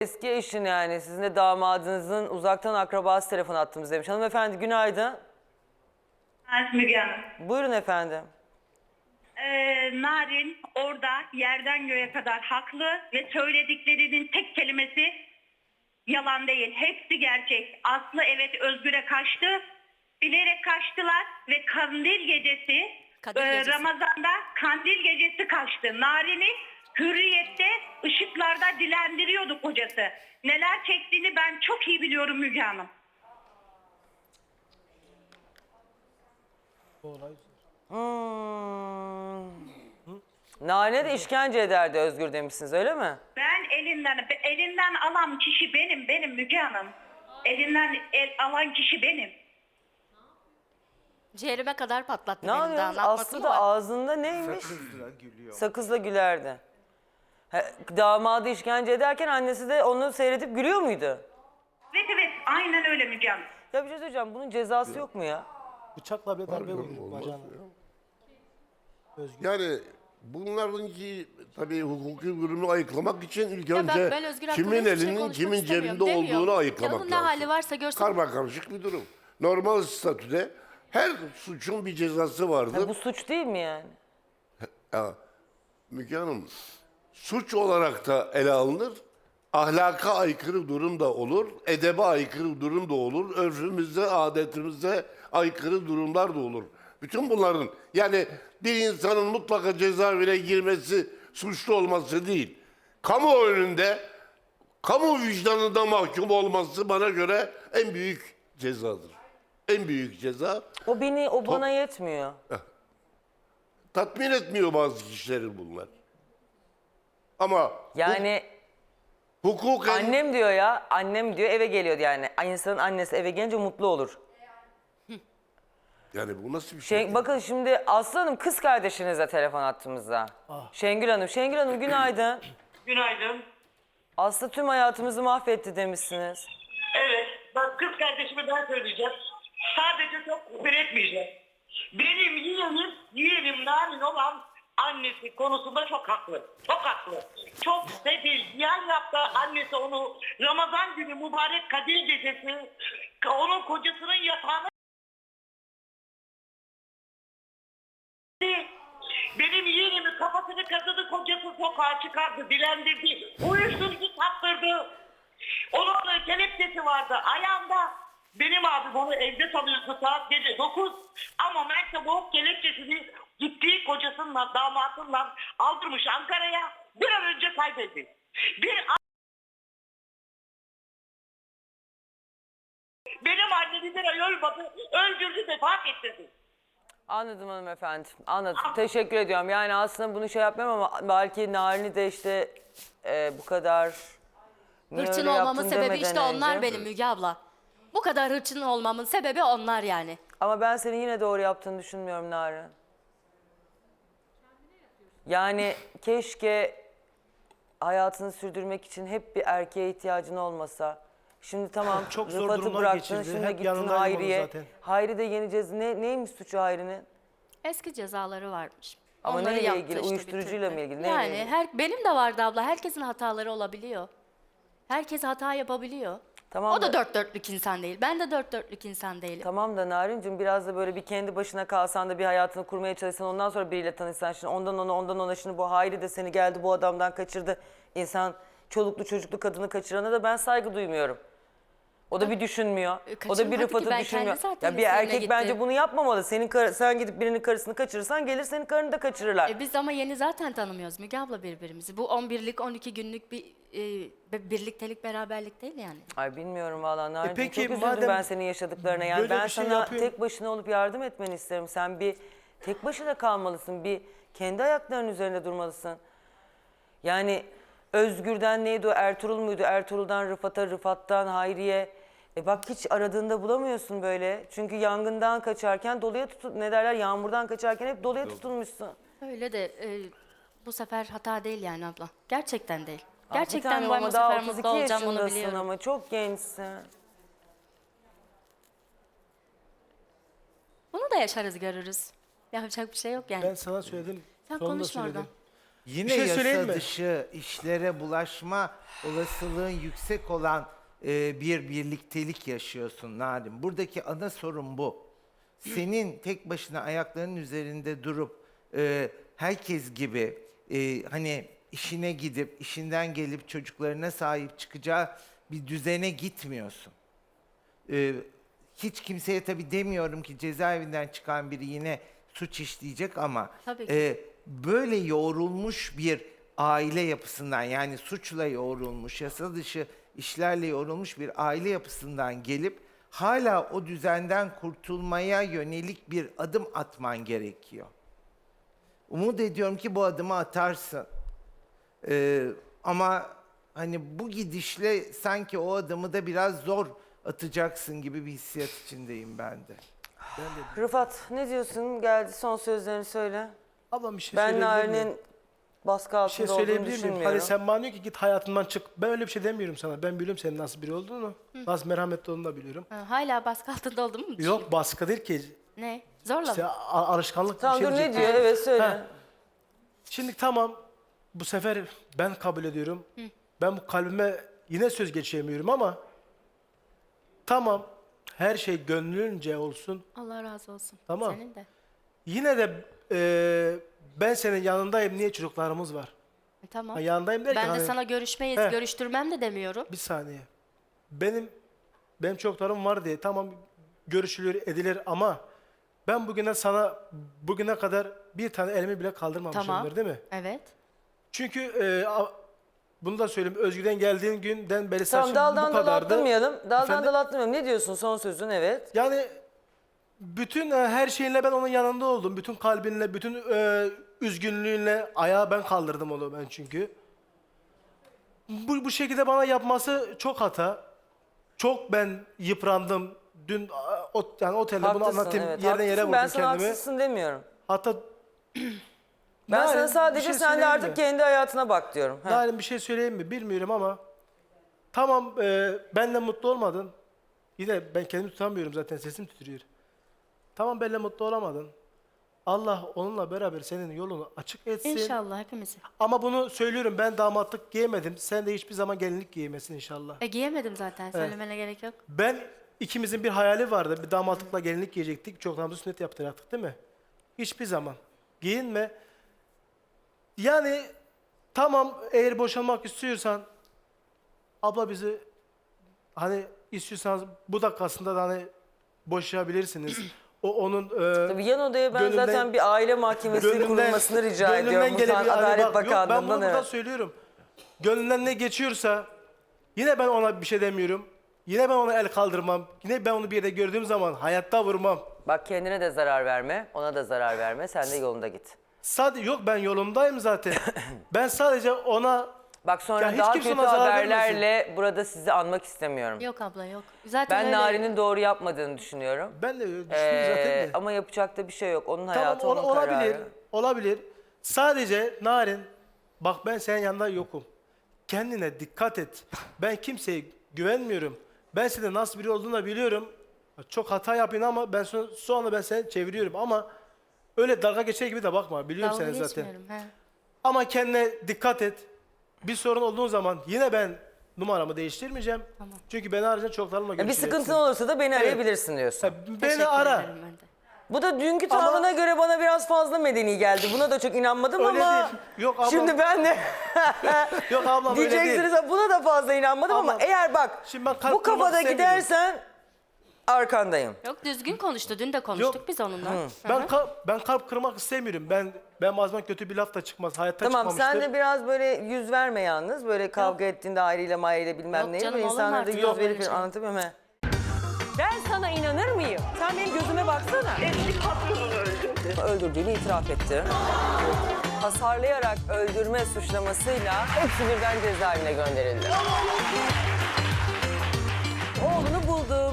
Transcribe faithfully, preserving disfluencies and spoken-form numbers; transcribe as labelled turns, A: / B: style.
A: Eski eşin yani sizin de damadınızın uzaktan akrabası telefon attığımız demiş. Hanımefendi günaydın.
B: Evet Müge Hanım.
A: Buyurun efendim.
B: Ee, Narin orada yerden göğe kadar haklı ve söylediklerinin tek kelimesi yalan değil. Hepsi gerçek. Aslı evet Özgür'e kaçtı. Bilerek kaçtılar ve kandil gecesi,
C: Kadir
B: e,
C: gecesi.
B: Ramazan'da kandil gecesi kaçtı. Narin'i hürriyette ışıklarda dilendiriyordu kocası. Neler çektiğini ben çok iyi biliyorum Müge Hanım.
A: Hmm. Nane de işkence ederdi Özgür demişsiniz öyle mi?
B: Ben elinden elinden alan kişi benim, benim Müge Hanım. Elinden el alan kişi benim.
C: Ciğerime kadar patlattı
A: Ne
C: benim daha.
A: yapıyorsunuz?
C: Ne yapması
A: Aslı
C: mı
A: da
C: var?
A: ağzında neymiş?
D: Sakızla gülüyor.
A: Sakızla gülerdi. He, damadı işkence ederken annesi de onu seyredip gülüyor muydu?
B: Evet evet aynen öyle Müge Hanım.
A: Ya bir şey söyleyeceğim, bunun cezası yok mu ya?
E: Bıçakla bile darbe
D: Harbiden
E: vurmuş
D: olmaz
E: bacağına.
D: ya.
E: Özgür.
D: Yani bunlarınki tabii hukuki durumu ayıklamak için ilk
C: Ya bak,
D: önce
C: ben Özgür hakkında
D: kimin
C: hiçbir şey
D: elinin
C: konuşmak
D: kimin
C: istemiyorum
D: cebinde
C: demiyor.
D: olduğunu ayıklamak
C: Canının ne
D: lazım.
C: hali varsa görsün.
D: Karma karışık bir durum. Normal statüde her suçun bir cezası vardır.
A: Ha, bu suç değil mi yani?
D: Ya, Müge Hanım, suç olarak da ele alınır, ahlaka aykırı durum da olur, edebe aykırı durum da olur, örfümüzde, adetimize aykırı durumlar da olur. Bütün bunların, yani bir insanın mutlaka cezaevine girmesi, suçlu olması değil, kamu önünde, kamu vicdanında mahkum olması bana göre en büyük cezadır. En büyük ceza.
A: O beni, o bana yetmiyor.
D: Tatmin etmiyor bazı kişileri bunlar. Ama
A: Yani
D: hukuken
A: annem diyor ya, annem diyor eve geliyordu yani. İnsanın annesi eve gelince mutlu olur.
D: yani bu nasıl bir şey?
A: Şen, bakın şimdi Aslı Hanım kız kardeşinizle telefon attığımızda. Şengül Hanım, Şengül Hanım günaydın.
F: Günaydın.
A: Aslı tüm hayatımızı mahvetti demişsiniz.
F: Evet, bak kız kardeşime ben söyleyeceğim. Sadece çok küfür etmeyeceğim. Benim yeğenim, yeğenim Narin olan annesi konusunda çok haklı. Çok haklı. Çok sefil, ziyan yaptı annesi onu. Ramazan günü mübarek Kadir gecesi onun kocasının yatağına benim yeğenimin kafasını kazıdı, kocası sokağa çıkardı, dilendirdi, uyuşturucu sattırdı. Onun da kelepçesi vardı ayağında. Benim abim onu evde tanıyordu saat gece dokuz. Ama Mert'e bu kelepçesini gittiği kocasından, damatından aldırmış Ankara'ya. Bir an önce kaybetti. Bir a- benim annemi bir ay ölmedi, öldürdü, vefat ettirdi.
A: Anladım hanımefendi, anladım. Teşekkür ediyorum. Yani aslında bunu şey yapmıyorum ama belki Narin'i de işte e, bu kadar... niye
C: Hırçın
A: öyle
C: olmamın
A: yaptın
C: sebebi
A: demeden
C: işte onlar
A: önce-
C: benim Müge abla. Bu kadar hırçın olmamın sebebi onlar yani.
A: Ama ben senin yine doğru yaptığını düşünmüyorum Narin. Yani keşke hayatını sürdürmek için hep bir erkeğe ihtiyacın olmasa. Şimdi tamam
E: Çok zor
A: Rıfat'ı
E: durumlar
A: bıraktın,
E: geçirdi.
A: şimdi
E: Hep
A: gittin
E: yanındaydım onun
A: Hayri'ye.
E: zaten.
A: Hayri de yeni ceza... Ne, neymiş suçu Hayri'nin?
C: Eski cezaları varmış.
A: Ama
C: Onları
A: neyle
C: yaptı
A: ilgili?
C: işte,
A: Uyuşturucuyla
C: bitirdi.
A: mı ilgili? Neyle
C: Yani
A: ilgili?
C: her, benim de vardı abla. Herkesin hataları olabiliyor. Herkes hata yapabiliyor.
A: Tamam
C: O da
A: da-
C: dört dörtlük insan değil. Ben de dört dörtlük insan değilim.
A: Tamam da Narin'cim biraz da böyle bir kendi başına kalsan da bir hayatını kurmaya çalışsan ondan sonra biriyle tanışsan şimdi ondan ona ondan ona şimdi bu Hayri de seni geldi bu adamdan kaçırdı. İnsan çoluklu çocuklu kadını kaçırana da ben saygı duymuyorum. O da bir düşünmüyor. O da bir
C: kaçırmadı ki,
A: Rıfat'ı
C: ben
A: düşünmüyor.
C: kendi zaten
A: Ya bir
C: üzerine
A: erkek bence
C: gitti.
A: bunu yapmamalı. Senin kar- sen gidip birinin karısını kaçırırsan gelir senin karını da kaçırırlar.
C: E biz ama yeni zaten tanımıyoruz Müge abla birbirimizi. Bu on birlik on iki günlük bir e, birliktelik beraberlik değil yani.
A: Ay bilmiyorum vallahi Narin'cim
E: peki,
A: çok üzüldüm
E: madem
A: ben senin yaşadıklarına. Yani
E: böyle
A: ben
E: bir şey
A: sana
E: yapıyorsun-
A: tek başına olup yardım etmeni isterim. Sen bir tek başına kalmalısın. Bir kendi ayaklarının üzerinde durmalısın. Yani Özgür'den neydi o? Ertuğrul muydu? Ertuğrul'dan Rıfat'a, Rıfat'tan Hayri'ye. E bak hiç aradığında bulamıyorsun böyle. Çünkü yangından kaçarken doluya tutun ne derler? Yağmurdan kaçarken hep doluya tutulmuşsun.
C: Öyle de e, bu sefer hata değil yani abla. Gerçekten değil.
A: Ah, bir
C: Gerçekten
A: tanem
C: ben
A: ama
C: bu
A: daha
C: sefer
A: otuz iki
C: mutlu olacağım onu
A: yaşındasın
C: biliyorum.
A: ama çok gençsin.
C: Bunu da yaşarız görürüz. Yapacak bir şey yok yani.
E: Ben sana söyledim.
C: Sen
E: sonunda
C: konuşma
E: söyledim.
C: oradan.
G: Yine
E: Bir şey söyleyeyim
G: yasa
E: mi?
G: dışı işlere bulaşma olasılığın yüksek olan e, bir birliktelik yaşıyorsun Narin. Buradaki ana sorun bu. Senin tek başına ayaklarının üzerinde durup e, herkes gibi e, hani işine gidip işinden gelip çocuklarına sahip çıkacağı bir düzene gitmiyorsun. E, hiç kimseye tabii demiyorum ki cezaevinden çıkan biri yine suç işleyecek ama
C: Tabii ki.
G: e, böyle yoğrulmuş bir aile yapısından yani suçla yoğrulmuş, yasa dışı işlerle yoğrulmuş bir aile yapısından gelip hala o düzenden kurtulmaya yönelik bir adım atman gerekiyor. Umut ediyorum ki bu adımı atarsın. Ee, ama hani bu gidişle sanki o adımı da biraz zor atacaksın gibi bir hissiyat içindeyim ben de.
A: Rıfat ne diyorsun? Geldi son sözlerini söyle.
E: Ablam bir şey
A: Ben
E: söyleyebilir miyim?
A: Narin'in baskı
E: Bir şey
A: altında olduğunu
E: söyleyebilir miyim?
A: düşünmüyorum.
E: Hani sen bana diyor ki git hayatımdan çık. Ben öyle bir şey demiyorum sana. Ben biliyorum senin nasıl biri olduğunu. Nasıl merhametli olduğunu da biliyorum.
C: Ha, hala baskı altında oldun mu?
E: Yok baskı değil ki.
C: Ne? Zorla
E: İşte
C: mı?
E: a- alışkanlık bir
A: Tamam
E: şey
A: dur ne
E: diyecektim.
A: diyor? Evet söyle.
E: Ha. Şimdi tamam bu sefer ben kabul ediyorum. Ben bu kalbime yine söz geçiremiyorum ama tamam her şey gönlünce olsun.
C: Allah razı olsun.
E: Tamam.
C: Senin de.
E: Yine de e, ben senin yanındayım. Niye çocuklarımız var?
C: E, tamam.
E: Ha, yanındayım derken
C: Ben de
E: hani-
C: sana görüşmeyiz,
E: He.
C: görüştürmem de demiyorum.
E: Bir saniye. Benim benim çocuklarım var diye tamam görüşülür edilir ama ben bugüne sana bugüne kadar bir tane elimi bile kaldırmamışımdır
C: Tamam.
E: değil mi?
C: Evet.
E: Çünkü e, a- bunu da söyleyeyim. Özgür'den geldiğin günden beri
A: Tamam
E: saçım
A: daldan
E: bu
A: dala
E: kadardı.
A: atlamayalım. Daldan
E: Efendim?
A: dala atlamayalım. Ne diyorsun son sözün? Evet.
E: Yani bütün e, her şeyinle ben onun yanında oldum. Bütün kalbinle, bütün e, üzgünlüğünle ayağa ben kaldırdım onu ben çünkü. Bu, bu şekilde bana yapması çok hata. Çok ben yıprandım. Dün a, o, yani otelde bunu
A: Haklısın.
E: anlatayım.
A: Evet.
E: Yerden yere
A: Haklısın.
E: vurdum
A: Ben sana
E: kendimi.
A: haksızsın demiyorum.
E: Hatta
A: Ben
E: Narin,
A: sana
E: bir
A: sadece
E: şey
A: sen de
E: söyleyeyim
A: artık
E: mi?
A: kendi hayatına bak diyorum. Ha.
E: Narin bir şey söyleyeyim mi bilmiyorum ama tamam e, benle mutlu olmadın. Yine ben kendimi tutamıyorum zaten sesim titriyor. Tamam benle mutlu olamadın. Allah onunla beraber senin yolunu açık etsin.
C: İnşallah hepimiz.
E: Ama bunu söylüyorum ben damatlık giyemedim. Sen de hiçbir zaman gelinlik giymesin inşallah.
C: E giyemedim zaten. Söylemene gerek yok.
E: Ben ikimizin bir hayali vardı. Bir damatlıkla gelinlik giyecektik. Çoklarımızı sünnet yaptıracaktık değil mi? Hiçbir zaman. Giyinme. Yani tamam eğer boşanmak istiyorsan abla bizi hani istiyorsanız bu dakikasında da hani boşayabilirsiniz. O onun e,
A: Tabii yan odaya ben
E: gönlünden-
A: zaten bir aile mahkemesi kurulmasını rica
E: gönlünden
A: ediyorum.
E: gelebilir.
A: Buradan
E: Hani
A: Adalet
E: bak, yok, ben bunu
A: Bakanlığı'ndan
E: burada
A: evet.
E: söylüyorum. Gönlünden ne geçiyorsa yine ben ona bir şey demiyorum. Yine ben ona el kaldırmam. Yine ben onu bir yerde gördüğüm zaman hayatta vurmam.
A: Bak kendine de zarar verme, ona da zarar verme. Sen de yolunda git.
E: Sadece yok ben yolundayım zaten. Ben sadece ona
A: Bak sonra
E: Ya hiç
A: daha
E: kimse
A: kötü
E: ona zarar
A: haberlerle burada sizi anmak istemiyorum.
C: Yok abla yok. Zaten
A: Ben
C: öyle.
A: Narin'in doğru yapmadığını düşünüyorum.
E: ben de düşündüm
A: Ee,
E: zaten de.
A: ama yapacak da bir şey yok. Onun
E: Tamam
A: hayatı,
E: ola-
A: onun
E: olabilir.
A: kararı.
E: Olabilir. Sadece Narin bak ben senin yanında yokum. Kendine dikkat et. Ben kimseye güvenmiyorum. Ben senin nasıl biri olduğunu da biliyorum. Çok hata yapıyorsun ama ben sonra, sonra ben seni çeviriyorum ama öyle dalga geçer gibi de bakma. Biliyorum
C: Dalga
E: seni zaten.
C: geçmiyorum. He.
E: Ama kendine dikkat et. Bir sorun olduğu zaman yine ben numaramı değiştirmeyeceğim.
C: Tamam.
E: Çünkü beni arayınca çoklarımla
A: Ya bir
E: görüşeceksin.
A: sıkıntın olursa da beni arayabilirsin diyorsun.
E: Ha, Beni
C: Teşekkür
E: ara.
C: ederim ben de.
A: Bu da dünkü
E: Ama-
A: tavrına göre bana biraz fazla medeni geldi. Buna da çok inanmadım
E: Öyle
A: ama
E: değil. Yok ablam.
A: şimdi ben de
E: Yok ablam öyle değil.
A: diyeceksiniz buna da fazla inanmadım ama,
E: Ama-
A: eğer bak
E: Şimdi ben kalp
A: bu
E: kırmak
A: kafada
E: istemiyorum.
A: gidersen arkandayım.
C: Yok düzgün konuştu. Dün de konuştuk
E: Yok.
C: biz onunla. Hı
E: Ben
C: hı.
E: kalp, ben kalp kırmak istemiyorum. Ben ben bazen kötü bir laf da çıkmaz. Hayatta
A: Tamam
E: çıkmamıştır.
A: sen de biraz böyle yüz verme yalnız. Böyle kavga ettiğinde aileyle maileyle bilmem
C: Yok
A: neyle.
C: canım,
A: Böyle
C: olur mu
A: insanlara da
C: artık?
A: yüz
C: Yok,
A: verip
C: öyle şey.
A: anlatamıyorum he. Ben sana inanır mıyım? Sen benim gözüme baksana.
F: Eski patronunu öldürdü.
A: Öldürdüğünü itiraf etti. Hasarlayarak öldürme suçlamasıyla hepsi birden cezaevine gönderildi. Oğlunu buldum.